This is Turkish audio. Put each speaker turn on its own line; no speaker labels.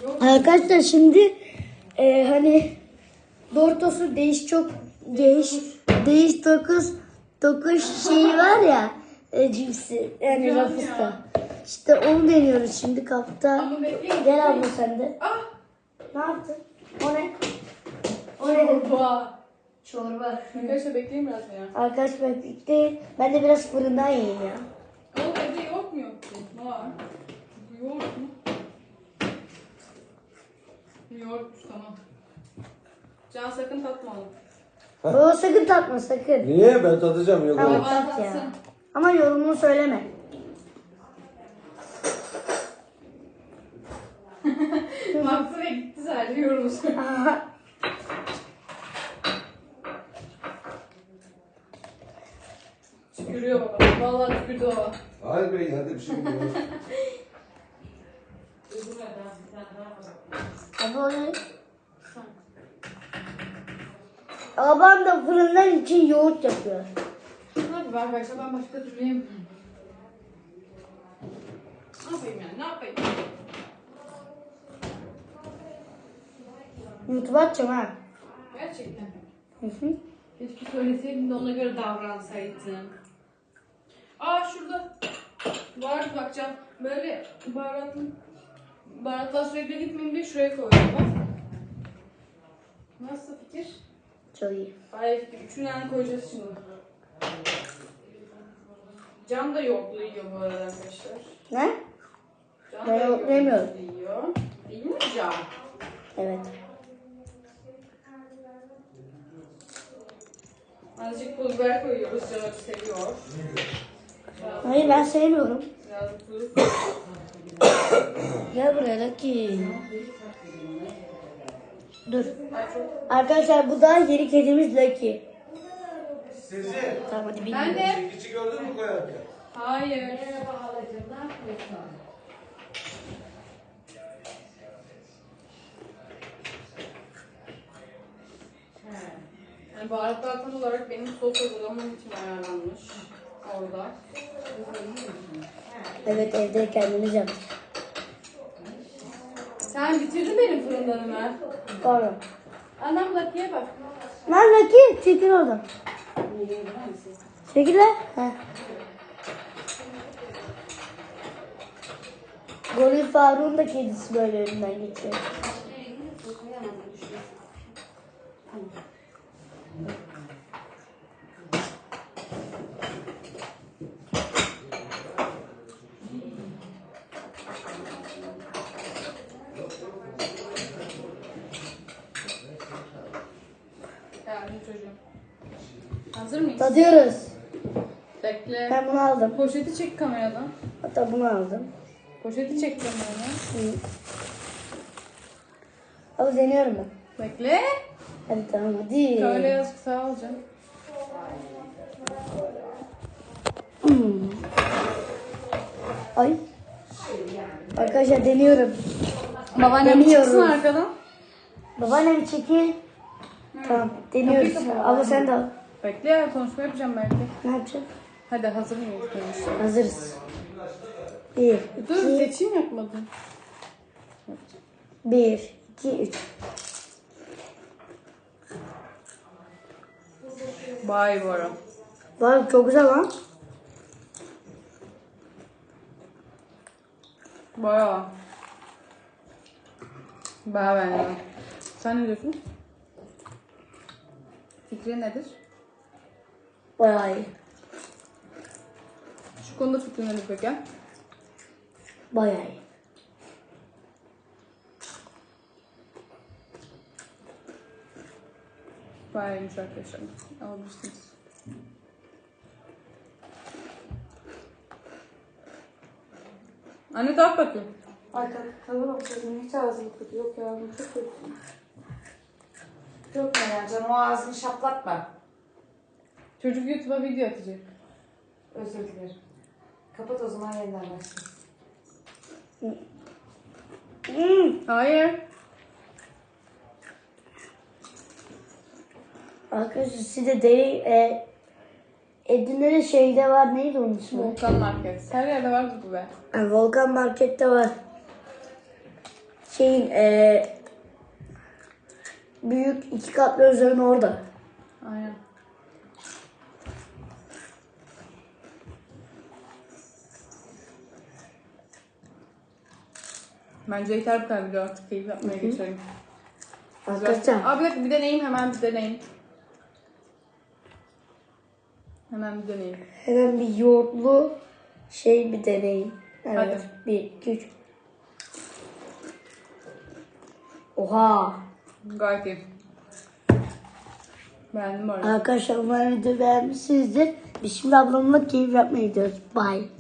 Arkadaşlar şimdi hani Doritos'un değiş dokuz şeyi var ya, cipsi yani Ruffles'ta. İşte onu deniyoruz şimdi kapta. Gel abla sen de. Ne yaptın? O ne? O ne? Çorba.
Arkadaşlar bekleyin biraz ya.
Arkadaşlar bekleyin. Ben de biraz fırından yiyeyim ya.
Oğlum evde yoğurt mu yok ki? Var. Yoğurt mu? Yoğurtmuş tamam. Can sakın tatma oğlum.
Baba sakın tatma sakın.
Niye? Ben tadacağım. Yok
Tamam
öyle.
tat ya. Ama yorumunu söyleme.
Baktı ve gitti sadece yorumu söyle. Tükürüyor baba. Vallahi tükürdü baba.
Hayır bey hadi bir şey yok.
Abla o ne? Babam da fırından için yoğurt yapıyor.
Hadi arkadaşlar ben başka türlü yemiyorum. Ne yapayım yani? Ne yapayım?
YouTube'a atacağım ha.
Gerçekten.
Hı hı.
Keşke söyleseydin de ona göre davransaydın. Aa şurada var bakacağım. Böyle baharatlar sürekli gitmeyeyim diye şuraya koydum bak. Nasıl fikir?
Çok iyi.
Hayır fikir. Üçünden koyacağız şimdi. Can da yoğurtlu yiyor bu arada arkadaşlar.
Ne?
Can
Ben
da
yoğurtlu yemiyorum.
yiyor. Değil mi Can?
Evet.
Azıcık pul biber koyuyoruz. Can seviyor.
Hayır ben sevmiyorum.
Biraz tuz.
Gel buraya Lucky. Dur. Arkadaşlar bu da yeni kedimiz Lucky.
Sizi.
Tamam hadi
Ben
bilmiyorum.
de.
Çekici gördün mü koyarken?
Hayır. Yani baharatlar tam olarak benim sos hazırlamam için ayarlanmış orada.
Evet evde kendimiz yaptık.
Sen bitirdin benim fırından Ömer.
Pardon.
Annem Lucky'ye bak.
Lan Lucky çekil oradan. Çekil lan. Heh. Goril Faruk'un da kedisi böyle önünden geçiyor.
Geldim çocuğum. Hazır mıyız?
Tadıyoruz.
Bekle.
Ben bunu aldım.
Poşeti çek kameradan.
Hatta bunu aldım.
Poşeti çek kameradan.
Hı. Ama deniyorum ben.
Bekle.
Hadi tamam hadi.
Şöyle yazık sağ ol canım.
Hmm. Ay. Arkadaşlar deniyorum.
Babaannem
Deniyoruz.
çıksın arkadan.
Babaannem çekil. Tamam deniyoruz.
Kapıyı kapat.
Abla sen de al.
Bekle ya konuşma yapacağım belki.
Ne yapacağız?
Hadi hazır mıyız konuş?
Hazırız. Bir,
Dur
iki,
seçim yapmadın.
bir, iki, üç.
Vay Bora.
Vay çok güzel lan.
Bayağı. Bayağı beğendim. Sen ne diyorsun? Fikrin nedir?
Bayağı iyi.
Şu konuda fikrin nedir peki?
Bayağı iyi.
Bayağı iyiymiş arkadaşlar. Alabilirsiniz. Anne tat bakayım.
Ay tadına bakıyorum hiç ağzım kötü yok ya çok kötü. Dökme ya canım o ağzını şaplatma.
Çocuk YouTube'a video atacak.
Özür dilerim. Kapat o zaman yeniden başla.
Hayır.
Arkadaşlar size de Edirne'de şeyde var, neydi onun ismi?
Volkan Market. Her yerde vardır bu be.
Yani Volkan Market'te var. şeyin büyük 2 katlı özelliğin orada.
Aynen. Bence yeter bu kadar video, artık keyif yapmaya geçelim.
Arkadaşlar
Aa, bir dakika, bir deneyim, hemen bir deneyim. Hemen bir deneyim.
hemen bir yoğurtlu şey bir deneyim. Evet.
Hadi.
1, 2, 3. Oha.
Gayet iyi. Beğendim bu arada.
Arkadaşlar umarım video beğenmişsinizdir. Biz şimdi ablamla keyif yapmaya gidiyoruz. Bye.